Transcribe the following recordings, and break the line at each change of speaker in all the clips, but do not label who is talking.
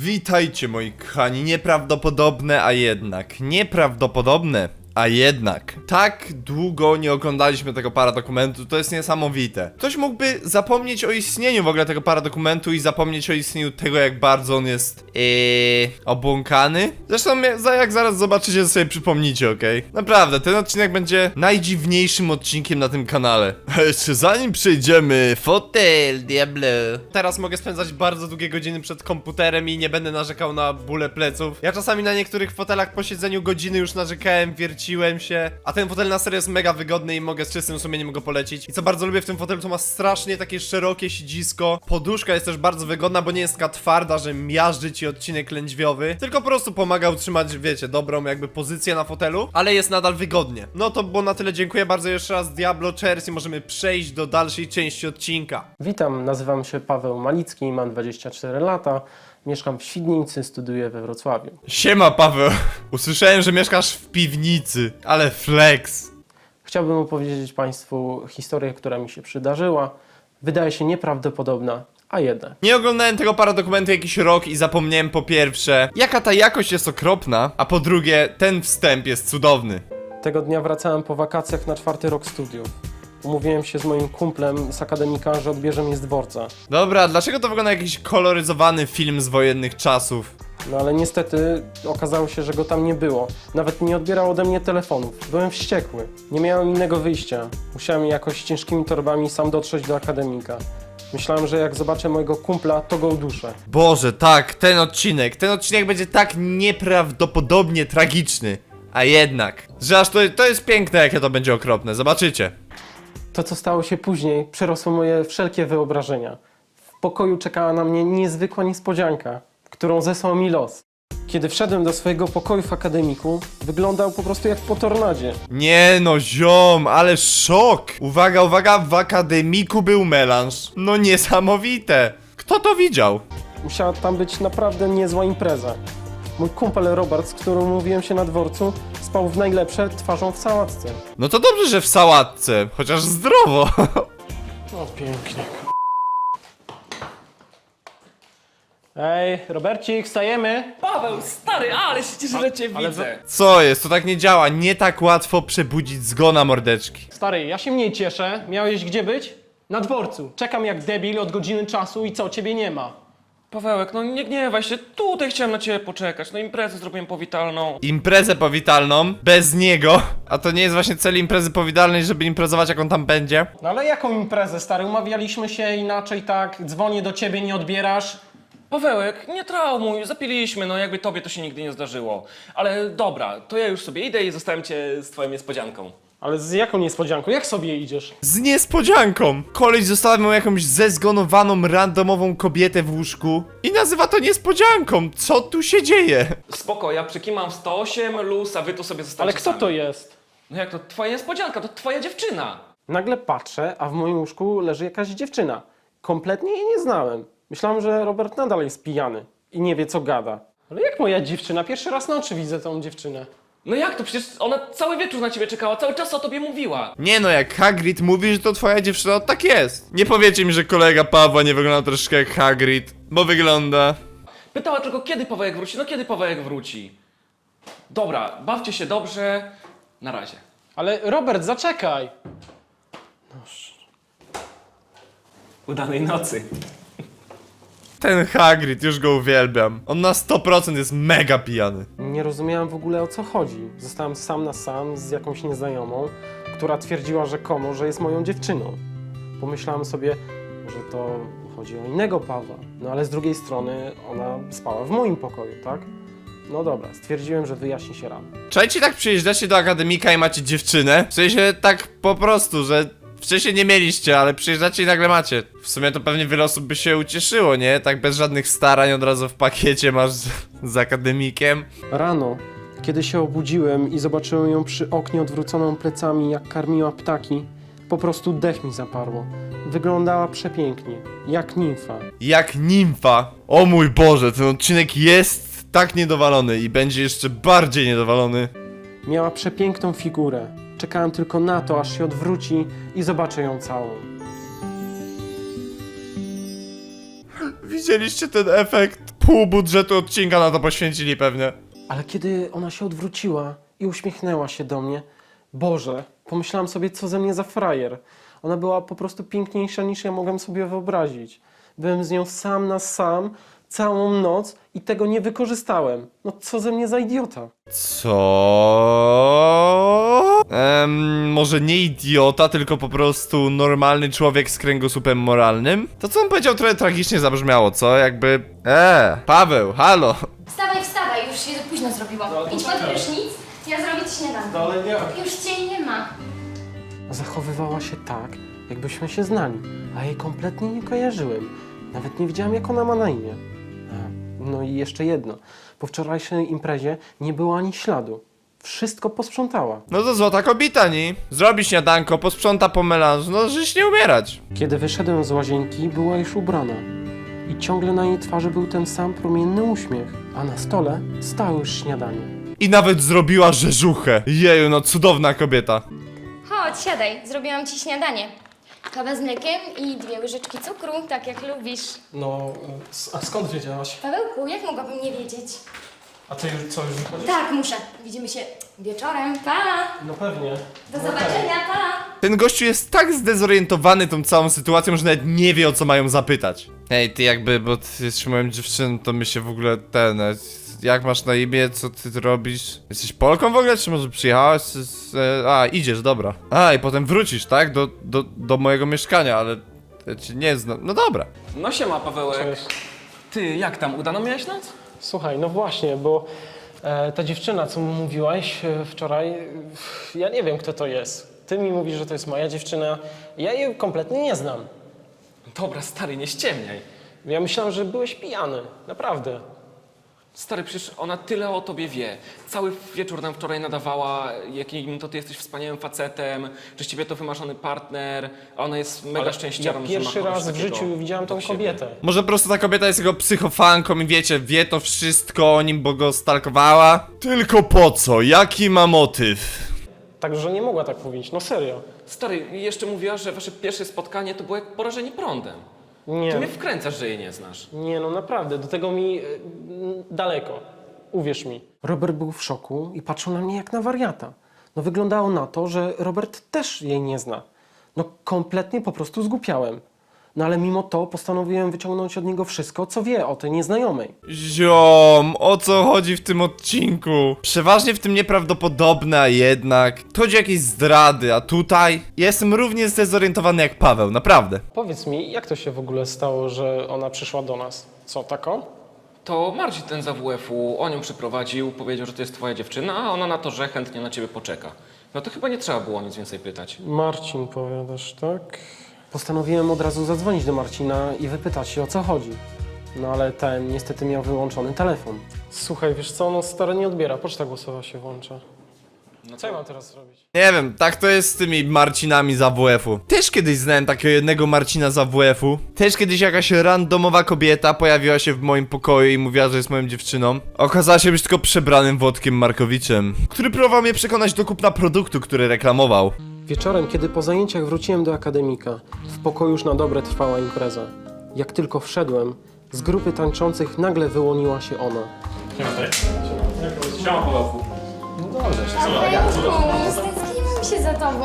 Witajcie moi kochani, nieprawdopodobne, a jednak. Nieprawdopodobne, a jednak. Tak długo nie oglądaliśmy tego paradokumentu, to jest niesamowite. Ktoś mógłby zapomnieć o istnieniu w ogóle tego paradokumentu i zapomnieć o istnieniu tego, jak bardzo on jest obłąkany. Zresztą jak zaraz zobaczycie, to sobie przypomnicie, okej? Naprawdę, ten odcinek będzie najdziwniejszym odcinkiem na tym kanale. A jeszcze zanim przejdziemy, fotel, diablo. Teraz mogę spędzać bardzo długie godziny przed komputerem i nie będę narzekał na bóle pleców. Ja czasami na niektórych fotelach po siedzeniu godziny już narzekałem, wierciłem się. A ten fotel na serio jest mega wygodny i mogę z czystym sumieniem go polecić. I co bardzo lubię w tym fotelu, to ma strasznie takie szerokie siedzisko. Poduszka jest też bardzo wygodna, bo nie jest taka twarda, że miażdży ci odcinek lędźwiowy, tylko po prostu pomaga utrzymać, wiecie, dobrą jakby pozycję na fotelu, ale jest nadal wygodnie. No to było na tyle, dziękuję bardzo jeszcze raz, Diablo Cheers, i możemy przejść do dalszej części odcinka.
Witam, nazywam się Paweł Malicki, mam 24 lata, mieszkam w Świdnicy, studiuję we Wrocławiu.
Siema Paweł, usłyszałem, że mieszkasz w piwnicy, ale flex.
Chciałbym opowiedzieć Państwu historię, która mi się przydarzyła. Wydaje się nieprawdopodobna, a jednak.
Nie oglądałem tego paradokumentu jakiś rok i zapomniałem po pierwsze, jaka ta jakość jest okropna, a po drugie, ten wstęp jest cudowny.
Tego dnia wracałem po wakacjach na 4. rok studiów. Umówiłem się z moim kumplem z akademika, że odbierze mnie z dworca.
Dobra, dlaczego to wygląda jak jakiś koloryzowany film z wojennych czasów?
No ale niestety okazało się, że go tam nie było. Nawet nie odbierał ode mnie telefonów. Byłem wściekły. Nie miałem innego wyjścia. Musiałem jakoś ciężkimi torbami sam dotrzeć do akademika. Myślałem, że jak zobaczę mojego kumpla, to go uduszę.
Boże, tak, ten odcinek będzie tak nieprawdopodobnie tragiczny. A jednak, że aż to jest piękne, jakie to będzie okropne, zobaczycie.
To, co stało się później, przerosło moje wszelkie wyobrażenia. W pokoju czekała na mnie niezwykła niespodzianka, którą zesłał mi los. Kiedy wszedłem do swojego pokoju w akademiku, wyglądał po prostu jak po tornadzie.
Nie no, ziom, ale szok! Uwaga, uwaga, w akademiku był melanż. No niesamowite. Kto to widział?
Musiała tam być naprawdę niezła impreza. Mój kumpel Robert, z którym umówiłem się na dworcu, spał w najlepsze twarzą w sałatce.
No to dobrze, że w sałatce, chociaż zdrowo.
O, pięknie. Ej, Robercik, wstajemy?
Paweł, stary, ale się cieszę, że cię widzę.
Co jest, to tak nie działa, nie tak łatwo przebudzić zgona mordeczki.
Stary, ja się mniej cieszę. Miałeś gdzie być? Na dworcu. Czekam jak debil od godziny czasu i co, ciebie nie ma.
Pawełek, no nie gniewaj się, tutaj chciałem na ciebie poczekać, no imprezę zrobiłem powitalną.
Imprezę powitalną, bez niego. A to nie jest właśnie cel imprezy powitalnej, żeby imprezować, jak on tam będzie?
No ale jaką imprezę, stary? Umawialiśmy się inaczej, tak? Dzwonię do ciebie, nie odbierasz.
Pawełek, nie traumuj, zapiliśmy, no jakby tobie to się nigdy nie zdarzyło. Ale dobra, to ja już sobie idę i zostawiam cię z twoją niespodzianką.
Ale z jaką niespodzianką? Jak sobie idziesz?
Z niespodzianką! Koleś zostawił jakąś zezgonowaną, randomową kobietę w łóżku i nazywa to niespodzianką. Co tu się dzieje?
Spoko, ja przykimam 108, luz, a wy tu sobie zostańcie
Ale kto
sami.
to jest?
No jak to twoja niespodzianka, to twoja dziewczyna.
Nagle patrzę, a w moim łóżku leży jakaś dziewczyna. Kompletnie jej nie znałem. Myślałem, że Robert nadal jest pijany i nie wie, co gada. Ale jak moja dziewczyna? Pierwszy raz na oczy widzę tą dziewczynę.
No jak to, przecież ona cały wieczór na ciebie czekała, cały czas o tobie mówiła.
Nie no, jak Hagrid mówi, że to twoja dziewczyna, to tak jest. Nie powiecie mi, że kolega Pawła nie wygląda troszeczkę jak Hagrid, bo wygląda...
Pytała tylko, kiedy Pawełek wróci, no kiedy Pawełek wróci. Dobra, bawcie się dobrze, na razie.
Ale Robert, zaczekaj!
Udanej nocy.
Ten Hagrid, już go uwielbiam. On na 100% jest mega pijany.
Nie rozumiałem w ogóle, o co chodzi. Zostałem sam na sam z jakąś nieznajomą, która twierdziła rzekomo, że jest moją dziewczyną. Pomyślałem sobie, że to chodzi o innego Pawła. No ale z drugiej strony ona spała w moim pokoju, tak? No dobra, stwierdziłem, że wyjaśni się rano.
Czajcie, tak przyjeżdżacie do akademika i macie dziewczynę? W sensie tak po prostu, że wcześniej nie mieliście, ale przyjeżdżacie i nagle macie. W sumie to pewnie wiele osób by się ucieszyło, nie? Tak bez żadnych starań od razu w pakiecie masz z akademikiem.
Rano, kiedy się obudziłem i zobaczyłem ją przy oknie odwróconą plecami, jak karmiła ptaki, po prostu dech mi zaparło. Wyglądała przepięknie, jak nimfa.
Jak nimfa. O mój Boże, ten odcinek jest tak niedowalony i będzie jeszcze bardziej niedowalony.
Miała przepiękną figurę. Czekałem tylko na to, aż się odwróci i zobaczę ją całą.
Widzieliście ten efekt? pół budżetu odcinka na to poświęcili pewnie.
Ale kiedy ona się odwróciła i uśmiechnęła się do mnie, Boże, pomyślałam sobie, co ze mnie za frajer. Ona była po prostu piękniejsza niż ja mogłem sobie wyobrazić. Byłem z nią sam na sam całą noc i tego nie wykorzystałem. No co ze mnie za idiota.
Co? Może nie idiota, tylko po prostu normalny człowiek z kręgosłupem moralnym? To co on powiedział trochę tragicznie zabrzmiało, co? Jakby... Paweł, halo!
Wstawaj, wstawaj, już się późno zrobiło. Idź pod prysznic, ja zrobię ci śniadanko.
Ale nie.
Już cię nie ma.
Zachowywała się tak, jakbyśmy się znali, a jej kompletnie nie kojarzyłem. Nawet nie wiedziałem, jak ona ma na imię. No i jeszcze jedno. Po wczorajszej imprezie nie było ani śladu. Wszystko posprzątała.
No to złota kobita, nie? Zrobi śniadanko, posprząta po melanżu, no żeś nie umierać.
Kiedy wyszedłem z łazienki, była już ubrana. I ciągle na jej twarzy był ten sam promienny uśmiech. A na stole stało już śniadanie.
I nawet zrobiła rzeżuchę. Jeju, no cudowna kobieta.
Chodź, siadaj, zrobiłam ci śniadanie. Kawę z mlekiem i 2 łyżeczki cukru, tak jak lubisz.
No, a skąd wiedziałaś?
Pawełku, jak mogłabym nie wiedzieć?
A ty już co, już wychodzisz?
Tak, muszę. Widzimy się wieczorem. Pa!
No pewnie.
Do zobaczenia, pa!
Ten gościu jest tak zdezorientowany tą całą sytuacją, że nawet nie wie, o co mają zapytać. Hej, ty jakby, bo ty jesteś moją dziewczyną, to my się w ogóle jak masz na imię, co ty robisz? Jesteś Polką w ogóle, czy może przyjechałaś? Idziesz, dobra. I potem wrócisz, tak? Do mojego mieszkania, ale ja cię nie znam. No dobra.
No siema, Pawełek.
Cześć.
Ty, jak tam? Udaną miałeś noc?
Słuchaj, no właśnie, bo ta dziewczyna, co mu mówiłaś wczoraj, ja nie wiem, kto to jest. Ty mi mówisz, że to jest moja dziewczyna. Ja jej kompletnie nie znam.
Dobra, stary, nie ściemniaj.
Ja myślałem, że byłeś pijany. Naprawdę.
Stary, przecież ona tyle o tobie wie. Cały wieczór nam wczoraj nadawała, jakim to ty jesteś wspaniałym facetem, że z ciebie to wymarzony partner, a ona jest mega
Ale
szczęściarą,
ja
że ma
pierwszy
kogoś
raz w
takiego
życiu widziałem tą
obok siebie.
kobietę.
Może po prostu ta kobieta jest jego psychofanką i wiecie, wie to wszystko o nim, bo go stalkowała? Tylko po co? Jaki ma motyw?
Także nie mogła tak mówić, no serio.
Stary, jeszcze mówiła, że wasze pierwsze spotkanie to było jak porażenie prądem. Ty mnie
Nie,
wkręcasz, że jej nie znasz.
nie, no naprawdę, do tego mi daleko. Uwierz mi. Robert był w szoku i patrzył na mnie jak na wariata. No wyglądało na to, że Robert też jej nie zna. No kompletnie po prostu zgłupiałem. No ale mimo to postanowiłem wyciągnąć od niego wszystko, co wie o tej nieznajomej.
Ziom, o co chodzi w tym odcinku? Przeważnie w tym nieprawdopodobne, a jednak chodzi o jakieś zdrady, a tutaj jestem równie zdezorientowany jak Paweł, naprawdę.
Powiedz mi, jak to się w ogóle stało, że ona przyszła do nas? Co, taką?
To Marcin ten z AWF-u, on ją przyprowadził, powiedział, że to jest twoja dziewczyna, a ona na to, że chętnie na ciebie poczeka. No to chyba nie trzeba było nic więcej pytać.
Marcin, powiadasz, tak? Postanowiłem od razu zadzwonić do Marcina i wypytać się, o co chodzi. No ale ten niestety miał wyłączony telefon. Słuchaj, wiesz co, no stary nie odbiera, poczta głosowa się włącza.
No
Co ja mam teraz zrobić?
Nie wiem, tak to jest z tymi Marcinami z AWF-u. Też kiedyś znałem takiego jednego Marcina z AWF-u. Też kiedyś jakaś randomowa kobieta pojawiła się w moim pokoju i mówiła, że jest moją dziewczyną. Okazała się być tylko przebranym Włodkiem Markowiczem, który próbował mnie przekonać do kupna produktu, który reklamował.
Wieczorem, kiedy po zajęciach wróciłem do akademika, w pokoju już na dobre trwała impreza. Jak tylko wszedłem, z grupy tańczących nagle wyłoniła się ona.
Siema, Pawełku.
Pawełku, stęskniłam się za tobą.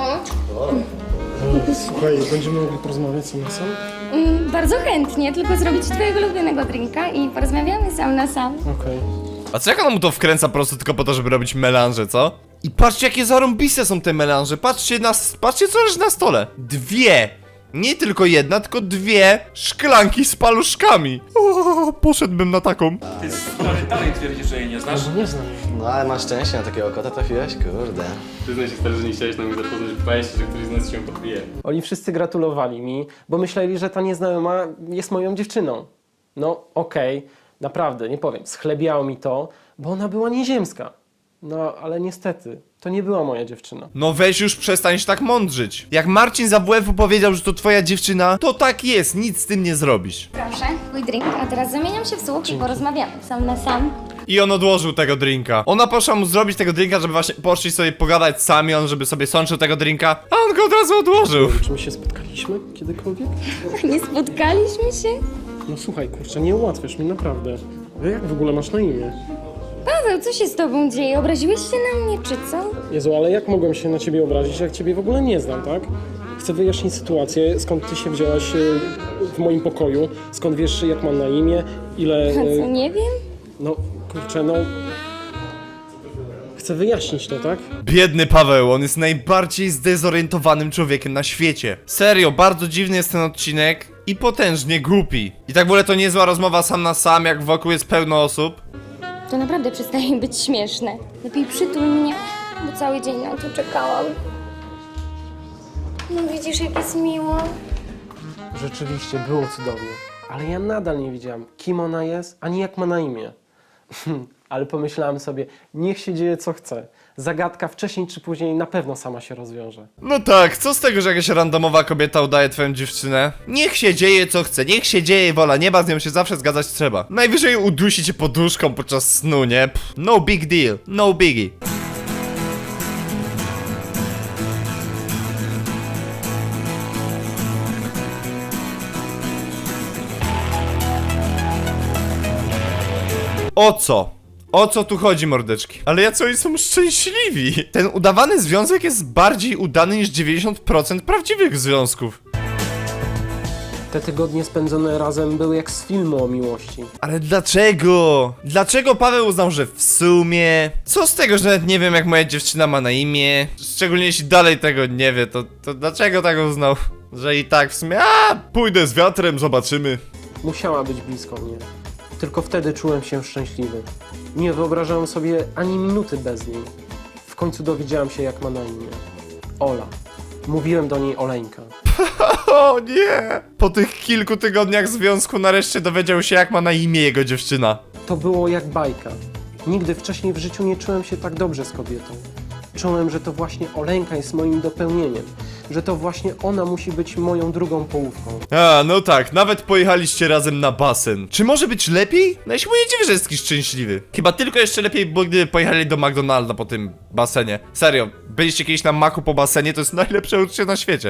Słuchaj, będziemy mogli porozmawiać sam na sam?
Bardzo chętnie, tylko zrobić twojego ulubionego drinka i porozmawiamy sam na sam.
Okej.
A co jak ona mu to wkręca po prostu tylko po to, żeby robić melanże, co? I patrzcie jakie zarąbiste są te melanże, patrzcie co leży na stole. 2, nie tylko jedna, tylko 2 szklanki z paluszkami. O, poszedłbym na taką.
Ty stary, dalej twierdzisz, że jej nie znasz?
No nie znam jej.
No ale masz szczęście, na takiego kota trafiłeś, kurde.
Przyznaj się stary, że nie chciałeś na mnie zapoznać, że bałeś się, że któryś z nas się podbije.
Oni wszyscy gratulowali mi, bo myśleli, że ta nieznajoma jest moją dziewczyną. No okej, naprawdę, nie powiem, schlebiało mi to, bo ona była nieziemska. No, ale niestety, to nie była moja dziewczyna.
No weź już przestań się tak mądrzyć. Jak Marcin z AWF-u powiedział, że to twoja dziewczyna, to tak jest, nic z tym nie zrobisz.
Proszę, twój drink, a teraz zamieniam się w słuch i porozmawiamy sam na sam.
I on odłożył tego drinka. Ona poszła mu zrobić tego drinka, żeby właśnie poszli sobie pogadać sami, on żeby sobie sączył tego drinka, a on go od razu odłożył.
Czy my się spotkaliśmy kiedykolwiek?
Nie spotkaliśmy się?
No słuchaj, kurczę, nie ułatwiasz mi, naprawdę. Jak w ogóle masz na imię?
Paweł, co się z tobą dzieje? Obraziłeś się na mnie, czy co?
Jezu, ale jak mogłem się na ciebie obrazić, jak ciebie w ogóle nie znam, tak? Chcę wyjaśnić sytuację, skąd ty się wzięłaś w moim pokoju, skąd wiesz, jak mam na imię, ile...
A co, nie wiem?
No, kurczę, no... Chcę wyjaśnić to, tak?
Biedny Paweł, on jest najbardziej zdezorientowanym człowiekiem na świecie. Serio, bardzo dziwny jest ten odcinek i potężnie głupi. I tak w ogóle to niezła rozmowa sam na sam, jak wokół jest pełno osób.
To naprawdę przestaje być śmieszne. Lepiej przytul mnie, bo cały dzień na to czekałam. No widzisz, jak jest miło.
Rzeczywiście, było cudownie. Ale ja nadal nie wiedziałam, kim ona jest, ani jak ma na imię. Ale pomyślałem sobie, niech się dzieje co chce. Zagadka wcześniej czy później na pewno sama się rozwiąże.
No tak, co z tego, że jakaś randomowa kobieta udaje twoją dziewczynę? Niech się dzieje co chce, niech się dzieje wola nieba, z nią się zawsze zgadzać trzeba. Najwyżej udusi cię poduszką podczas snu, nie? Pff, no big deal, no biggie. O co? O co tu chodzi, mordeczki? Ale jacy oni są szczęśliwi! Ten udawany związek jest bardziej udany niż 90% prawdziwych związków.
Te tygodnie spędzone razem były jak z filmu o miłości.
Ale dlaczego? Dlaczego Paweł uznał, że w sumie? Co z tego, że nawet nie wiem, jak moja dziewczyna ma na imię? Szczególnie jeśli dalej tego nie wie, to dlaczego tak uznał? Że i tak w sumie, pójdę z wiatrem, zobaczymy.
Musiała być blisko mnie. Tylko wtedy czułem się szczęśliwy. Nie wyobrażałem sobie ani minuty bez niej. W końcu dowiedziałem się, jak ma na imię. Ola. Mówiłem do niej Oleńka.
O nie! Po tych kilku tygodniach związku nareszcie dowiedział się, jak ma na imię jego dziewczyna.
To było jak bajka. Nigdy wcześniej w życiu nie czułem się tak dobrze z kobietą. Czułem, że to właśnie Oleńka jest moim dopełnieniem. Że to właśnie ona musi być moją drugą połówką.
No tak, nawet pojechaliście razem na basen. Czy może być lepiej? No ja się nie dziwię, że jest taki szczęśliwy. Chyba tylko jeszcze lepiej, bo gdyby pojechali do McDonalda po tym basenie. Serio, byliście kiedyś na maku po basenie, to jest najlepsze uczucie na świecie.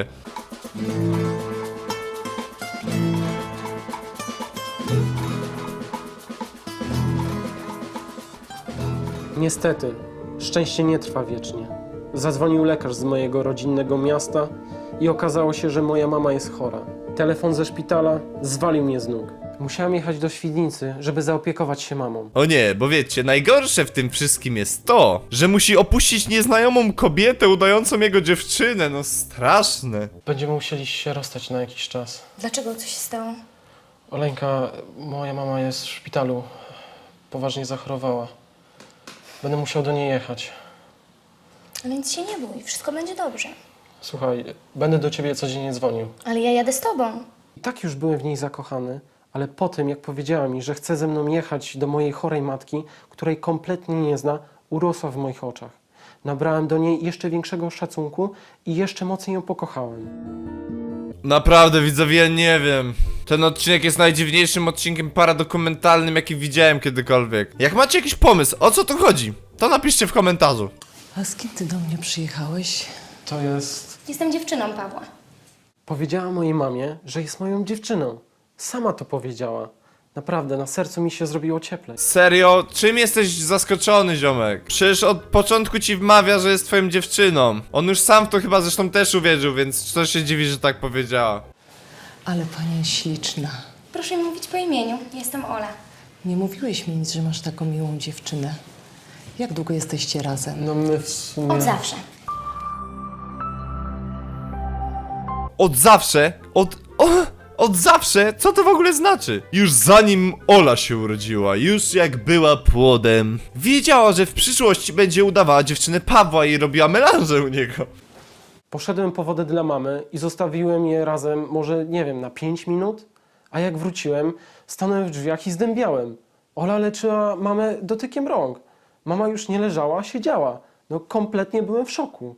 Niestety, szczęście nie trwa wiecznie. Zadzwonił lekarz z mojego rodzinnego miasta i okazało się, że moja mama jest chora. Telefon ze szpitala zwalił mnie z nóg. Musiałem jechać do Świdnicy, żeby zaopiekować się mamą.
O nie, bo wiecie, najgorsze w tym wszystkim jest to, że musi opuścić nieznajomą kobietę udającą jego dziewczynę, no straszne.
Będziemy musieli się rozstać na jakiś czas.
Dlaczego? Co się stało?
Oleńka, moja mama jest w szpitalu. Poważnie zachorowała. Będę musiał do niej jechać.
Ale nic się nie bój, wszystko będzie dobrze.
Słuchaj, będę do ciebie codziennie dzwonił.
Ale ja jadę z tobą.
I tak już byłem w niej zakochany, ale po tym, jak powiedziała mi, że chce ze mną jechać do mojej chorej matki, której kompletnie nie zna, urosła w moich oczach. Nabrałem do niej jeszcze większego szacunku i jeszcze mocniej ją pokochałem.
Naprawdę, widzowie, ja nie wiem. Ten odcinek jest najdziwniejszym odcinkiem paradokumentalnym, jaki widziałem kiedykolwiek. Jak macie jakiś pomysł, o co tu chodzi, to napiszcie w komentarzu.
A z kim ty do mnie przyjechałeś?
To jest...
Jestem dziewczyną Pawła.
Powiedziała mojej mamie, że jest moją dziewczyną. Sama to powiedziała. Naprawdę, na sercu mi się zrobiło cieplej.
Serio? Czym jesteś zaskoczony, ziomek? Przecież od początku ci wmawia, że jest twoją dziewczyną. On już sam w to chyba zresztą też uwierzył, więc co się dziwi, że tak powiedziała.
Ale pani jest śliczna.
Proszę mi mówić po imieniu. Jestem Ola.
Nie mówiłeś mi nic, że masz taką miłą dziewczynę. Jak długo jesteście razem?
No my w sumie...
Od zawsze.
Od zawsze? Od zawsze? Co to w ogóle znaczy? Już zanim Ola się urodziła, już jak była płodem, wiedziała, że w przyszłości będzie udawała dziewczynę Pawła i robiła melanżę u niego.
Poszedłem po wodę dla mamy i zostawiłem je razem, może nie wiem, na 5 minut? A jak wróciłem, stanąłem w drzwiach i zdębiałem. Ola leczyła mamę dotykiem rąk. Mama już nie leżała, siedziała. No kompletnie byłem w szoku.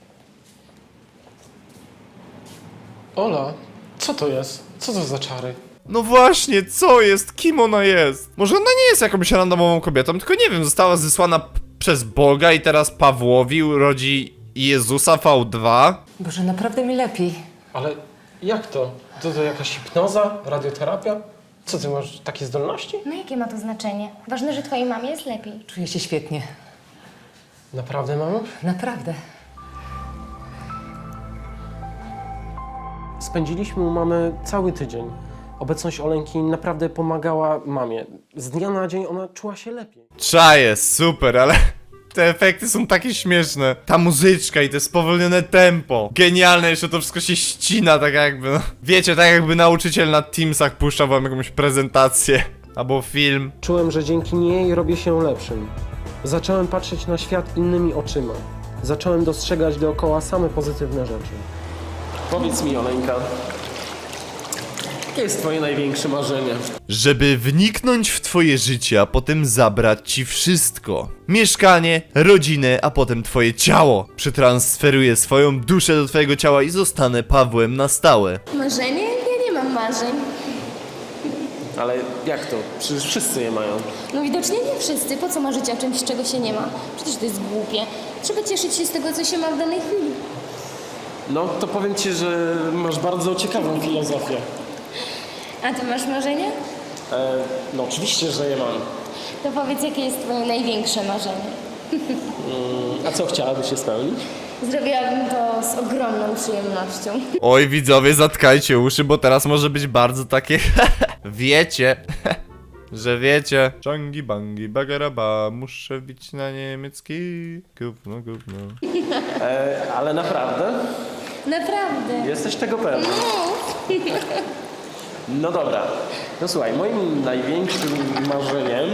Ola, co to jest? Co to za czary?
No właśnie, co jest? Kim ona jest? Może ona nie jest jakąś randomową kobietą, tylko nie wiem, została zesłana przez Boga i teraz Pawłowi urodzi Jezusa V2?
Boże, naprawdę mi lepiej.
Ale jak to? To jakaś hipnoza? Radioterapia? Co, ty masz takie zdolności?
No jakie ma to znaczenie? Ważne, że twojej mamie jest lepiej.
Czuję się świetnie.
Naprawdę, mamo?
Naprawdę.
Spędziliśmy u mamy cały tydzień. Obecność Oleńki naprawdę pomagała mamie. Z dnia na dzień ona czuła się lepiej.
Czaję, super, ale te efekty są takie śmieszne. Ta muzyczka i to spowolnione tempo. Genialne, jeszcze to wszystko się ścina, tak jakby, no. Wiecie, tak jakby nauczyciel na Teamsach puszczał wam jakąś prezentację. Albo film.
Czułem, że dzięki niej robię się lepszym. Zacząłem patrzeć na świat innymi oczyma. Zacząłem dostrzegać dookoła same pozytywne rzeczy. Powiedz mi, Oleńka, jakie jest twoje największe marzenie?
Żeby wniknąć w twoje życie, a potem zabrać ci wszystko. Mieszkanie, rodzinę, a potem twoje ciało. Przetransferuję swoją duszę do twojego ciała i zostanę Pawłem na stałe.
Marzenie? Ja nie mam marzeń.
Ale jak to? Przecież wszyscy je mają.
No widocznie nie wszyscy. Po co marzyć o czymś, czego się nie ma? Przecież to jest głupie. Trzeba cieszyć się z tego, co się ma w danej chwili.
No, to powiem ci, że masz bardzo ciekawą filozofię.
A ty masz marzenie?
No oczywiście, że je mam.
To powiedz, jakie jest twoje największe marzenie.
A co chciałabyś się spełnić?
Zrobiłabym to z ogromną przyjemnością.
Oj, widzowie, zatkajcie uszy, bo teraz może być bardzo takie wiecie, że wiecie. Czangi bangi bagaraba, muszę bić na niemiecki. Gówno, gówno.
Ale naprawdę?
Naprawdę.
Jesteś tego pewna? No dobra. No słuchaj, moim największym marzeniem...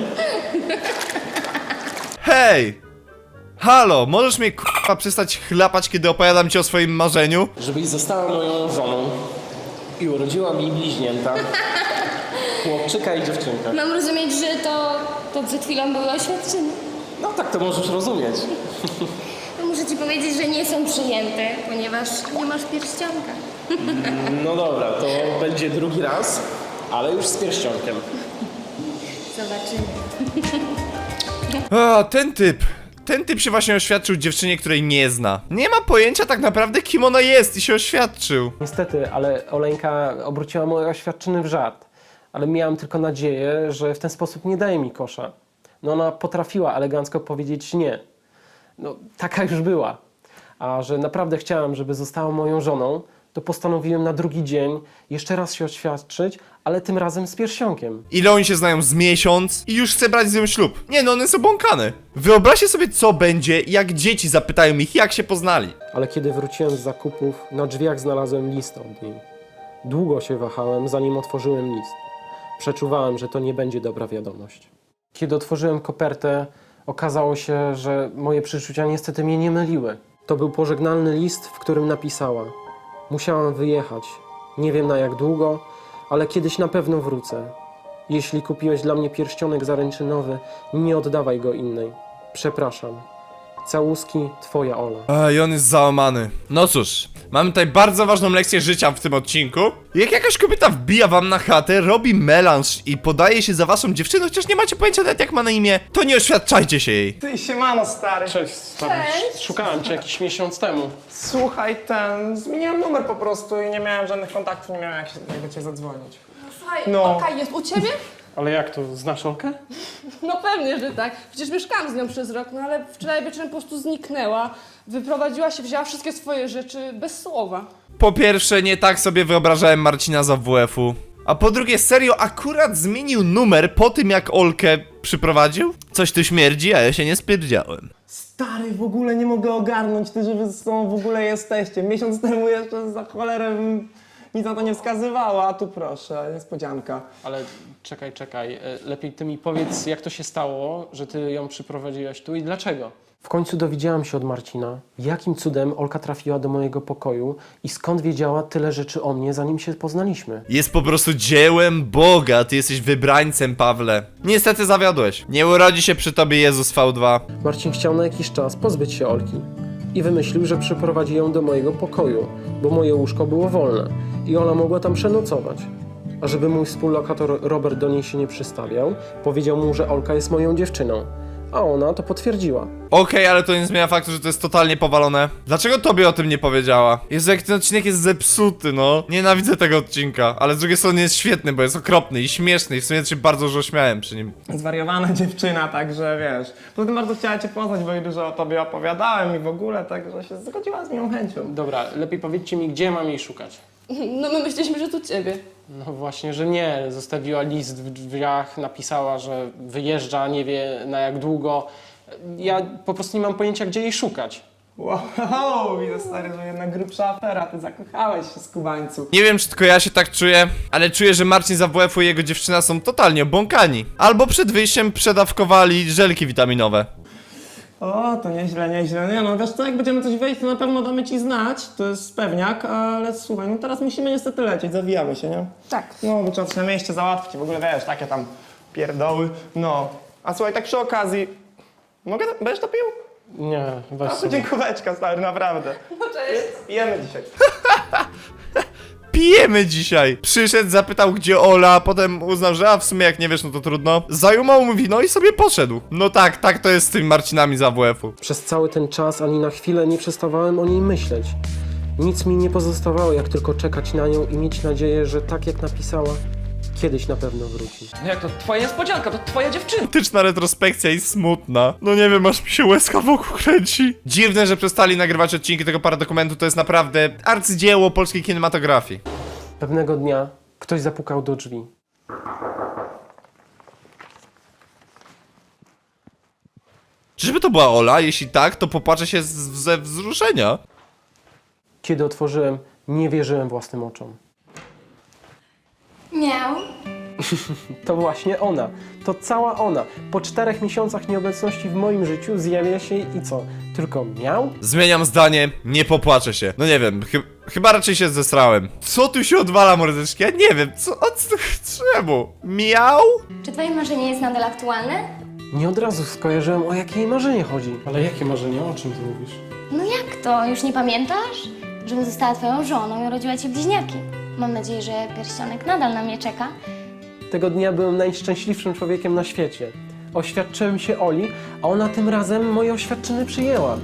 Hej! Halo, możesz mnie k***a przestać chlapać, kiedy opowiadam ci o swoim marzeniu?
Żebyś została moją żoną i urodziła mi bliźnięta. Chłopczyka i dziewczynkę.
Mam rozumieć, że to przed chwilą były oświadczyny.
No tak to możesz rozumieć.
No muszę ci powiedzieć, że nie są przyjęte, ponieważ nie masz pierścionka.
No dobra, to będzie drugi raz, ale już z pierścionkiem.
Zobaczymy.
A, ten typ się właśnie oświadczył dziewczynie, której nie zna. Nie ma pojęcia tak naprawdę, kim ona jest i się oświadczył.
Niestety, ale Oleńka obróciła moje oświadczyny w żart. Ale miałem tylko nadzieję, że w ten sposób nie daje mi kosza. No ona potrafiła elegancko powiedzieć nie. No taka już była. A że naprawdę chciałem, żeby została moją żoną, to postanowiłem na drugi dzień jeszcze raz się oświadczyć, ale tym razem z pierścionkiem.
Ile oni się znają z miesiąc i już chce brać z nią ślub. Nie no, one są błąkane. Wyobraźcie sobie, co będzie, jak dzieci zapytają ich, jak się poznali.
Ale kiedy wróciłem z zakupów, na drzwiach znalazłem list od niej. Długo się wahałem, zanim otworzyłem list. Przeczuwałem, że to nie będzie dobra wiadomość. Kiedy otworzyłem kopertę, okazało się, że moje przeczucia niestety mnie nie myliły. To był pożegnalny list, w którym napisała: musiałam wyjechać. Nie wiem na jak długo, ale kiedyś na pewno wrócę. Jeśli kupiłeś dla mnie pierścionek zaręczynowy, nie oddawaj go innej. Przepraszam. Całuski, twoja Ola.
A, i on jest załamany. No cóż, mamy tutaj bardzo ważną lekcję życia w tym odcinku. Jak jakaś kobieta wbija wam na chatę, robi melanż i podaje się za waszą dziewczynę, chociaż nie macie pojęcia nawet jak ma na imię, to nie oświadczajcie się jej.
Ty, siemano, stary.
Cześć, stary. Szukałem cię jakiś miesiąc temu.
Słuchaj, zmieniłem numer po prostu i nie miałem żadnych kontaktów, nie miałem jak do ciebie zadzwonić.
Słuchaj,
No.
Olka jest u ciebie?
Ale jak to, znasz Olkę?
No pewnie, że tak. Przecież mieszkałam z nią przez rok, no ale wczoraj wieczorem po prostu zniknęła. Wyprowadziła się, wzięła wszystkie swoje rzeczy bez słowa.
Po pierwsze, nie tak sobie wyobrażałem Marcina z AWF-u. A po drugie, serio, akurat zmienił numer po tym, jak Olkę przyprowadził? Coś tu śmierdzi, a ja się nie spierdziałem.
Stary, w ogóle nie mogę ogarnąć, ty, że wy z sobą w ogóle jesteście. Miesiąc temu jeszcze za cholerę nic na to nie wskazywało, a tu proszę, niespodzianka.
Ale czekaj. Lepiej ty mi powiedz, jak to się stało, że ty ją przyprowadziłaś tu i dlaczego? W końcu dowiedziałam się od Marcina, jakim cudem Olka trafiła do mojego pokoju i skąd wiedziała tyle rzeczy o mnie, zanim się poznaliśmy.
Jest po prostu dziełem Boga, ty jesteś wybrańcem, Pawle. Niestety zawiodłeś. Nie urodzi się przy tobie Jezus V2.
Marcin chciał na jakiś czas pozbyć się Olki i wymyślił, że przyprowadzi ją do mojego pokoju, bo moje łóżko było wolne i Ola mogła tam przenocować. A żeby mój współlokator Robert do niej się nie przystawiał, powiedział mu, że Olka jest moją dziewczyną. a ona to potwierdziła.
Okej, ale to nie zmienia faktu, że to jest totalnie powalone. Dlaczego tobie o tym nie powiedziała? Jezu, jak ten odcinek jest zepsuty, no. Nienawidzę tego odcinka, ale z drugiej strony jest świetny, bo jest okropny i śmieszny i w sumie się bardzo dużo śmiałem przy nim.
Zwariowana dziewczyna, także wiesz. Poza tym bardzo chciała cię poznać, bo jej dużo o tobie opowiadałem i w ogóle, także się zgodziła z moją chęcią.
Dobra, lepiej powiedzcie mi, gdzie mam jej szukać.
No my myśleliśmy, że tu ciebie.
No właśnie, że nie. Zostawiła list w drzwiach, napisała, że wyjeżdża, nie wie na jak długo. Ja po prostu nie mam pojęcia, gdzie jej szukać.
Wow, widzę stary, że jednak grubsza afera, ty zakochałeś się, skubańcu.
Nie wiem, czy tylko ja się tak czuję, ale czuję, że Marcin z AWF-u i jego dziewczyna są totalnie obłąkani. Albo przed wyjściem przedawkowali żelki witaminowe.
O, to nieźle, nieźle. Nie no, wiesz co, jak będziemy coś wejść, to na pewno damy ci znać, to jest pewniak, ale słuchaj, no teraz musimy niestety lecieć, zawijamy się, nie?
Tak.
No, bo trzeba coś na mieście załatwić, w ogóle wiesz, takie tam pierdoły, no. A słuchaj, tak przy okazji, będziesz to pił?
Nie, weź
A to
sobie.
dziękóweczka, stary, naprawdę.
No cześć.
Pijemy dzisiaj.
Pijemy dzisiaj! Przyszedł, zapytał gdzie Ola, potem uznał, że a w sumie jak nie wiesz, no to trudno. Zajumał mu wino i sobie poszedł. No tak to jest z tymi Marcinami z AWF-u.
Przez cały ten czas ani na chwilę nie przestawałem o niej myśleć. Nic mi nie pozostawało, jak tylko czekać na nią i mieć nadzieję, że tak jak napisała, kiedyś na pewno wróci.
No jak to? Twoja niespodzianka, to twoja dziewczyna.
Romantyczna retrospekcja i smutna. No nie wiem, aż mi się łezka wokół kręci. Dziwne, że przestali nagrywać odcinki tego paradokumentu, to jest naprawdę arcydzieło polskiej kinematografii.
Pewnego dnia ktoś zapukał do drzwi.
Czyżby to była Ola? Jeśli tak, to popłaczę się ze wzruszenia.
Kiedy otworzyłem, nie wierzyłem własnym oczom.
Miał.
To właśnie ona. To cała ona. Po 4 miesiącach nieobecności w moim życiu zjawia się i co? Tylko miał?
Zmieniam zdanie, nie popłaczę się. No nie wiem, chyba raczej się zesrałem. Co tu się odwala, mordeczki? Ja nie wiem, czemu? Miał?
Czy twoje marzenie jest nadal aktualne?
Nie od razu skojarzyłem, o jakie jej marzenie chodzi. Ale jakie marzenie? O czym ty mówisz?
No jak to? Już nie pamiętasz? Żebym została twoją żoną i urodziła ci bliźniaki. Mam nadzieję, że pierścionek nadal na mnie czeka.
Tego dnia byłem najszczęśliwszym człowiekiem na świecie. Oświadczyłem się Oli, a ona tym razem moje oświadczyny przyjęła.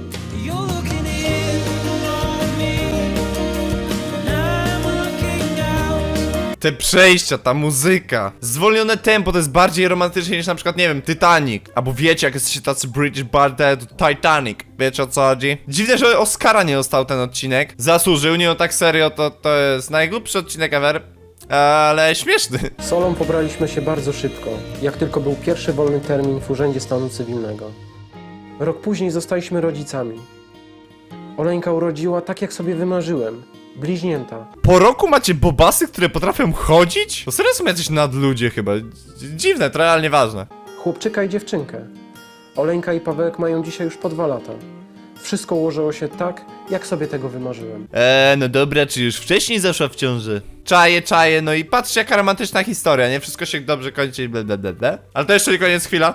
Te przejścia, ta muzyka. Zwolnione tempo to jest bardziej romantyczne niż na przykład, nie wiem, Titanic. Albo wiecie, jak jesteście tacy British Bardet, to Titanic. Wiecie o co chodzi? Dziwne, że Oscara nie dostał ten odcinek. Zasłużył, nie no tak serio, to jest najgłupszy odcinek ever. Ale śmieszny.
Z Olą pobraliśmy się bardzo szybko, jak tylko był pierwszy wolny termin w Urzędzie Stanu Cywilnego. Rok później zostaliśmy rodzicami. Oleńka urodziła tak, jak sobie wymarzyłem. Bliźnięta.
Po roku macie bobasy, które potrafią chodzić? To serio są jacyś nadludzie chyba. Dziwne, to realnie ważne.
Chłopczyka i dziewczynkę. Oleńka i Pawełek mają dzisiaj już po 2 lata. Wszystko ułożyło się tak, jak sobie tego wymarzyłem.
No dobra, czy już wcześniej zaszła w ciąży? Czaję, no i patrzcie jaka romantyczna historia, nie? Wszystko się dobrze kończy i bla bla bla bla. Ale to jeszcze nie koniec, chwila.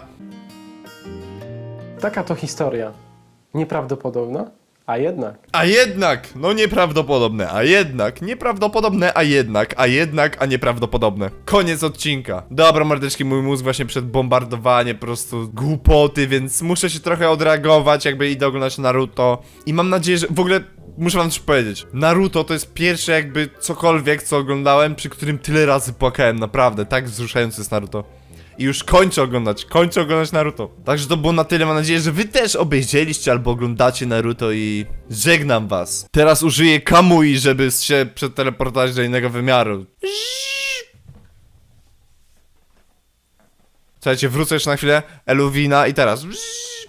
Taka to historia. Nieprawdopodobna, a jednak.
A jednak, no nieprawdopodobne, a jednak, nieprawdopodobne, a nieprawdopodobne. Koniec odcinka. Dobra, mordeczki, mój mózg właśnie przed bombardowaniem po prostu głupoty, więc muszę się trochę odreagować, jakby idę oglądać Naruto. I mam nadzieję, że w ogóle muszę wam coś powiedzieć. Naruto to jest pierwsze jakby cokolwiek, co oglądałem, przy którym tyle razy płakałem, naprawdę, tak wzruszający jest Naruto. I już kończę oglądać Naruto. Także to było na tyle, mam nadzieję, że wy też obejrzeliście albo oglądacie Naruto i żegnam was. Teraz użyję Kamui, żeby się przeteleportować do innego wymiaru. Słuchajcie, wrócę jeszcze na chwilę, Eluwina i teraz.